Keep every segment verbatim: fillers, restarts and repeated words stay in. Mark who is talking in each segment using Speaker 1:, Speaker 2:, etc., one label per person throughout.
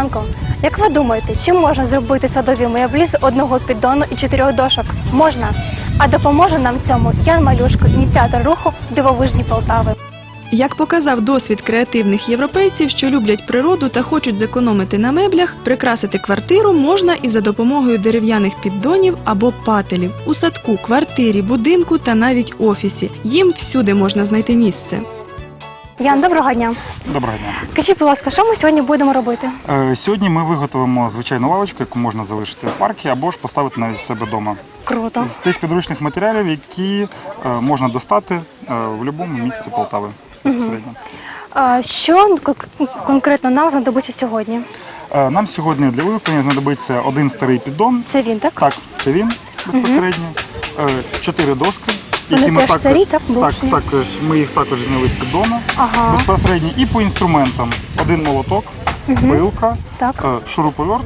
Speaker 1: Янко, як ви думаєте, чи можна зробити садові меблі з одного піддону і чотирьох дошок? Можна. А допоможе нам в цьому Ян Малюшко, ініціатор руху «Дивовижні Полтави».
Speaker 2: Як показав досвід креативних європейців, що люблять природу та хочуть зекономити на меблях, прикрасити квартиру можна і за допомогою дерев'яних піддонів або пателів. У садку, квартирі, будинку та навіть офісі. Їм всюди можна знайти місце.
Speaker 1: Ян, доброго дня.
Speaker 3: Доброго дня.
Speaker 1: Скажіть, будь ласка, що ми сьогодні будемо робити?
Speaker 3: Е, Сьогодні ми виготовимо звичайну лавочку, яку можна залишити в парку або ж поставити навіть в себе вдома.
Speaker 1: Круто.
Speaker 3: З тих підручних матеріалів, які е, можна достати е, в будь-якому місці Полтави безпосередньо.
Speaker 1: А що кон- конкретно нам знадобиться сьогодні?
Speaker 3: Е, Нам сьогодні для виготовлення знадобиться один старий піддон.
Speaker 1: Це він, так?
Speaker 3: Так, це він безпосередньо. Е, Чотири доски.
Speaker 1: Вони теж старі, так,
Speaker 3: так,
Speaker 1: блочні?
Speaker 3: так, ми їх також зняли з піддону.
Speaker 1: Ага.
Speaker 3: Безпосередньо і по інструментам. Один молоток,
Speaker 1: Мгм.
Speaker 3: пилка,
Speaker 1: Так.
Speaker 3: е, шуруповерт.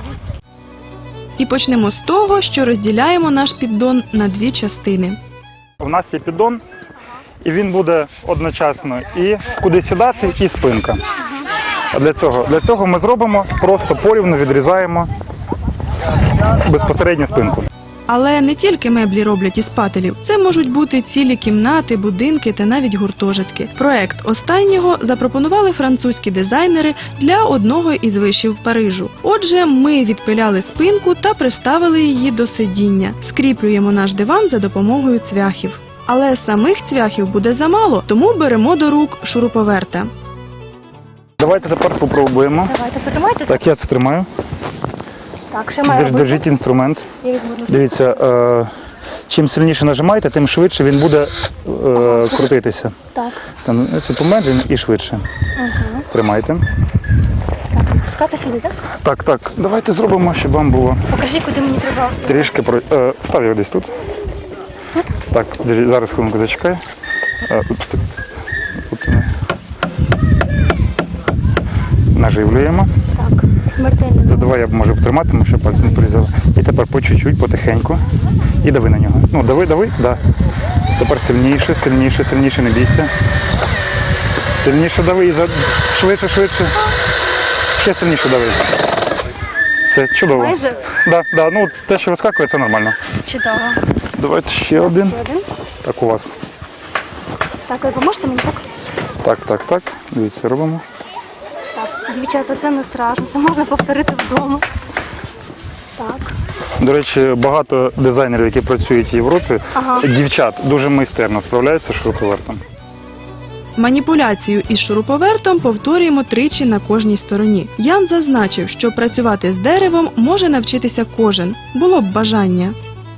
Speaker 2: І почнемо з того, що розділяємо наш піддон на дві частини.
Speaker 3: У нас є піддон, і він буде одночасно і куди сідати, і спинка. А для цього, для цього ми зробимо, просто порівну відрізаємо безпосередньо спинку.
Speaker 2: Але не тільки меблі роблять із пателів. Це можуть бути цілі кімнати, будинки та навіть гуртожитки. Проект останнього запропонували французькі дизайнери для одного із вишів Парижу. Отже, ми відпиляли спинку та приставили її до сидіння. Скріплюємо наш диван за допомогою цвяхів. Але самих цвяхів буде замало, тому беремо до рук шуруповерта.
Speaker 3: Давайте тепер попробуємо.
Speaker 1: Давайте, потримайте.
Speaker 3: Так, я це тримаю.
Speaker 1: Так, що має
Speaker 3: Держ-
Speaker 1: робити?
Speaker 3: Держіть інструмент.
Speaker 1: Я візьму ножі.
Speaker 3: Дивіться, е, чим сильніше нажимаєте, тим швидше він буде е, крутитися.
Speaker 1: Так.
Speaker 3: Там, це помедлено і швидше.
Speaker 1: Угу.
Speaker 3: Тримайте.
Speaker 1: Так, пускати сюди, так?
Speaker 3: Так, так, давайте зробимо, щоб вам було
Speaker 1: Покажіть, куди мені треба.
Speaker 3: трішки про. Е, став його десь тут.
Speaker 1: Тут?
Speaker 3: Так, держи, зараз хвилинку зачекай. Е, тут, тут, е, наживлюємо.
Speaker 1: Так, смертельно.
Speaker 3: Давай я можу потримати, тому що пальці не порізали. І тепер по чуть-чуть, потихеньку. І дави на нього. Ну, дави, дави, да. Тепер сильніше, сильніше, сильніше, не бійся. Сильніше дави, і за... швидше, швидше. Ще сильніше дави. Все, чудово.
Speaker 1: Майже?
Speaker 3: Да, да, ну те, що вискакує, це нормально.
Speaker 1: Чудово.
Speaker 3: Давайте ще один.
Speaker 1: Ще один.
Speaker 3: Так, у вас.
Speaker 1: Так, ви поможете мені, так?
Speaker 3: Так, так, так. Дивіться, робимо.
Speaker 1: Так, дівчата, це не страшно, це можна повторити вдома. Так.
Speaker 3: До речі, багато дизайнерів, які працюють в Європі,
Speaker 1: Ага.
Speaker 3: дівчат дуже майстерно справляються з шуруповертом.
Speaker 2: Маніпуляцію із шуруповертом повторюємо тричі на кожній стороні. Ян зазначив, що працювати з деревом може навчитися кожен. Було б бажання.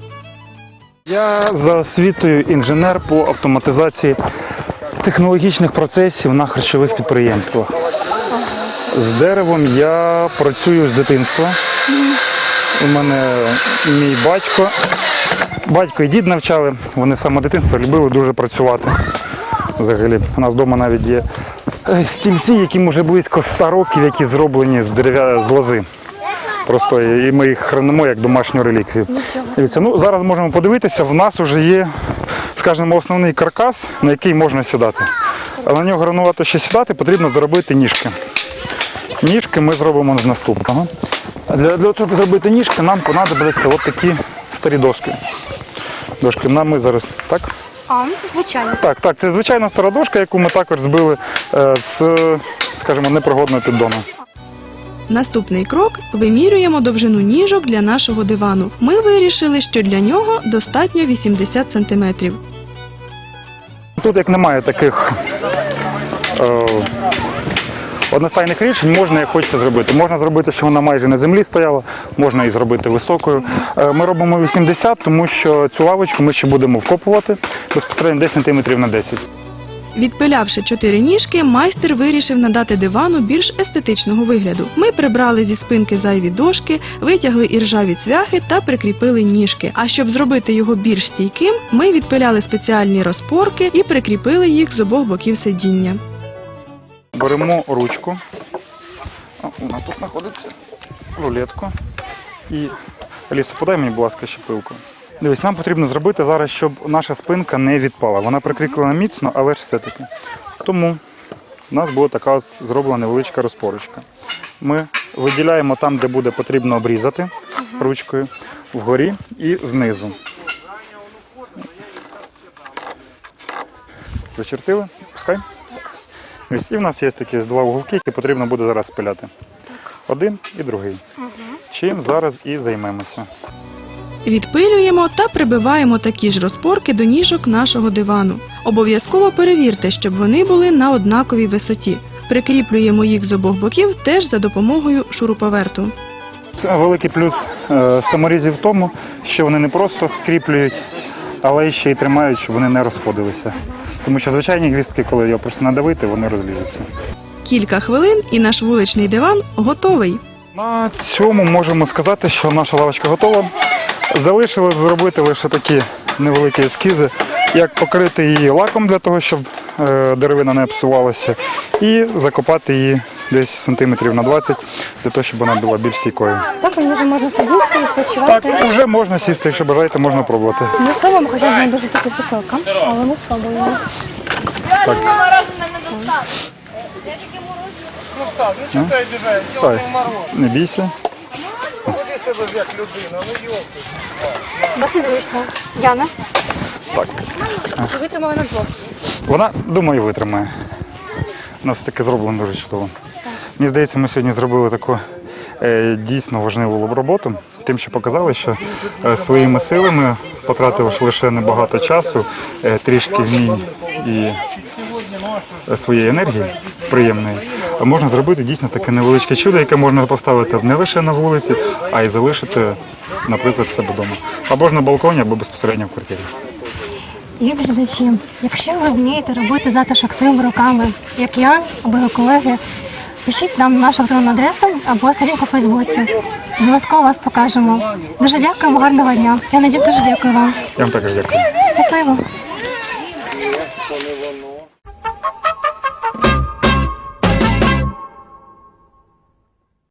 Speaker 3: Я за освітою інженер по автоматизації технологічних процесів на харчових підприємствах. З деревом я працюю з дитинства. У мене мій батько, батько і дід навчали, вони з самого дитинства любили дуже працювати. Взагалі, у нас вдома навіть є стільці, яким вже близько ста років, які зроблені з дерев'я з лози. Просто і ми їх хранимо як домашню реліквію. Дивіться, ну зараз можемо подивитися, в нас вже є, скажімо, основний каркас, на який можна сідати. А на нього гранувати ще сідати, потрібно доробити ніжки. Ніжки ми зробимо з наступного. Для, для того, щоб зробити ніжки, нам понадобляться от такі старі доски. Дошки нам ми зараз, так?
Speaker 1: А, ну це звичайно.
Speaker 3: Так, так, це звичайна стара дошка, яку ми також збили е, з, скажімо, непригодного піддону.
Speaker 2: Наступний крок – вимірюємо довжину ніжок для нашого дивану. Ми вирішили, що для нього достатньо вісімдесят сантиметрів.
Speaker 3: Тут як немає таких е, одностайних рішень, можна як хочеться зробити. Можна зробити, що вона майже на землі стояла, можна і зробити високою. Е, ми робимо вісімдесят, тому що цю лавочку ми ще будемо вкопувати безпосередньо десять сантиметрів на десять.
Speaker 2: Відпилявши чотири ніжки, майстер вирішив надати дивану більш естетичного вигляду. Ми прибрали зі спинки зайві дошки, витягли іржаві цвяхи та прикріпили ніжки. А щоб зробити його більш стійким, ми відпиляли спеціальні розпорки і прикріпили їх з обох боків сидіння.
Speaker 3: Беремо ручку, вона тут знаходиться, рулетку і, Алісо, подай мені, будь ласка, ще пилку. Дивись, нам потрібно зробити зараз, щоб наша спинка не відпала. Вона прикріплена міцно, але ж все-таки. Тому у нас була така ось зроблена невеличка розпорочка. ми виділяємо там, де буде потрібно обрізати ручкою, вгорі і знизу. Зачертили? Пускай. Ось, і в нас є такі два вуголки, які потрібно буде зараз спиляти. Один і другий. Чим зараз і займемося.
Speaker 2: Відпилюємо та прибиваємо такі ж розпорки до ніжок нашого дивану. Обов'язково перевірте, щоб вони були на однаковій висоті. Прикріплюємо їх з обох боків теж за допомогою шуруповерту.
Speaker 3: Це великий плюс е, саморізів в тому, що вони не просто скріплюють, але ще й тримають, щоб вони не розходилися. Тому що звичайні гвіздки, коли його просто надавити, вони розлізуться.
Speaker 2: Кілька хвилин і наш вуличний диван готовий.
Speaker 3: На цьому можемо сказати, що наша лавочка готова. Залишилось зробити лише такі невеликі ескізи, як покрити її лаком для того, щоб е, деревина не псувалася, і закопати її десь сантиметрів на двадцять, для того, щоб вона була більш стійкою.
Speaker 1: Так, вже можна сидіти і
Speaker 3: Так,
Speaker 1: відпочивати.
Speaker 3: вже можна сісти, якщо бажаєте, можна пробувати.
Speaker 1: Ми спробуємо, хоча вона дуже таки висока, але ми спробуємо.
Speaker 3: Так. Ну, Стай, не бійся.
Speaker 1: Досить зручно. Яна,
Speaker 3: Так.
Speaker 1: чи витримала на двох?
Speaker 3: Вона, думаю, витримає. У нас таке зроблено дуже чудово. Мені здається, ми сьогодні зробили таку е, дійсно важливу роботу, тим, що показали, що е, своїми силами, потративши лише небагато часу, е, трішки вмінь і е, своєї енергії приємної, можна зробити дійсно таке невеличке чудо, яке можна поставити не лише на вулиці, а й залишити, наприклад, в себе вдома. Або ж на балконі, або безпосередньо в квартирі.
Speaker 1: Любі глядачі, якщо ви вмієте робити затишок своїми руками, як я або його колеги, пишіть нам нашу електронну адресу або сторінку у Фейсбуці. Обов'язково вас покажемо. Дуже дякуємо, гарного дня. Я Надія, дуже дякую вам.
Speaker 3: Я вам також дякую.
Speaker 1: Щасливо.